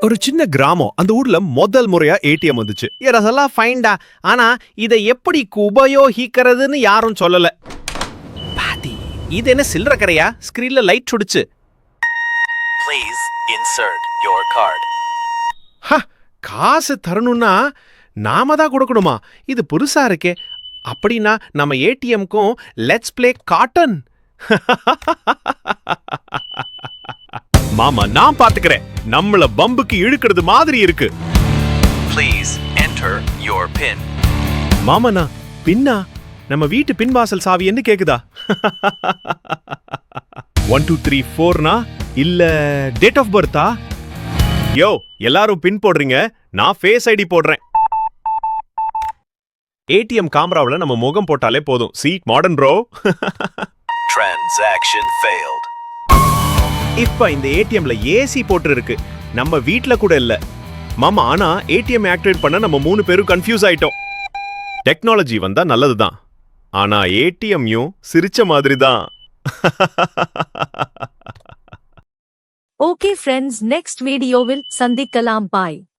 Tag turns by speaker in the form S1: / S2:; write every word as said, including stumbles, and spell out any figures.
S1: ஒரு சின்ன கிராமம். அந்த ஊர்ல முதல் முறையா ஏடிஎம் வந்துச்சு.
S2: இதெல்லாம் ஃபைன்டா. ஆனா இதை எப்படி உபயோகிக்கிறதுன்னு யாரும் சொல்லல. பாத்தி, இது என்ன சில்லற கரையா? ஸ்கிரீன்ல லைட் சுடுச்சு.
S3: Please insert your card.
S2: ஹ, காசு தரணும்னா நாம தான் கொடுக்கணுமா? இது புதுசா இருக்கே. அப்படின்னா நம்ம ஏடிஎம்க்கும் லெட்ஸ் பிளே காட்டன்.
S1: மாமா நான் பாத்துக்கிறேன். நம்மள பம்புக்கு இழுக்கிறது மாதிரி இருக்கு.
S3: Please enter your pin.
S1: மாமனா பின்னா நம்ம வீட்டு பின்வாசல் சாவி என்ன கேக்குதா? ஒன் டூ த்ரீ ஃபோர்னா இல்ல டேட் ஆஃப் பர்த்தா? யோ எல்லாரும் பின் போடுறீங்க, நான் ஃபேஸ் ஐடி போடுறேன். ஏடிஎம் கேமராவுல நம்ம முகம் போட்டாலே போதும். See modern bro.
S3: Transaction failed.
S1: இப்ப இந்த ஏடிஎம்ல ஏசி போட்டு இருக்கு. நம்ம வீட்ல கூட இல்ல மாமா. ஆனா ஏடிஎம் ஆக்டிவேட் பண்ண நம்ம மூணு பேரும் கன்ஃபியூஸ் ஆயிட்டோம். டெக்னாலஜி வந்தா நல்லதுதான், ஆனா ஏடிஎம்யும் சிரிச்ச மாதிரி தான்.
S4: Okay friends, next video will sandikalam bye.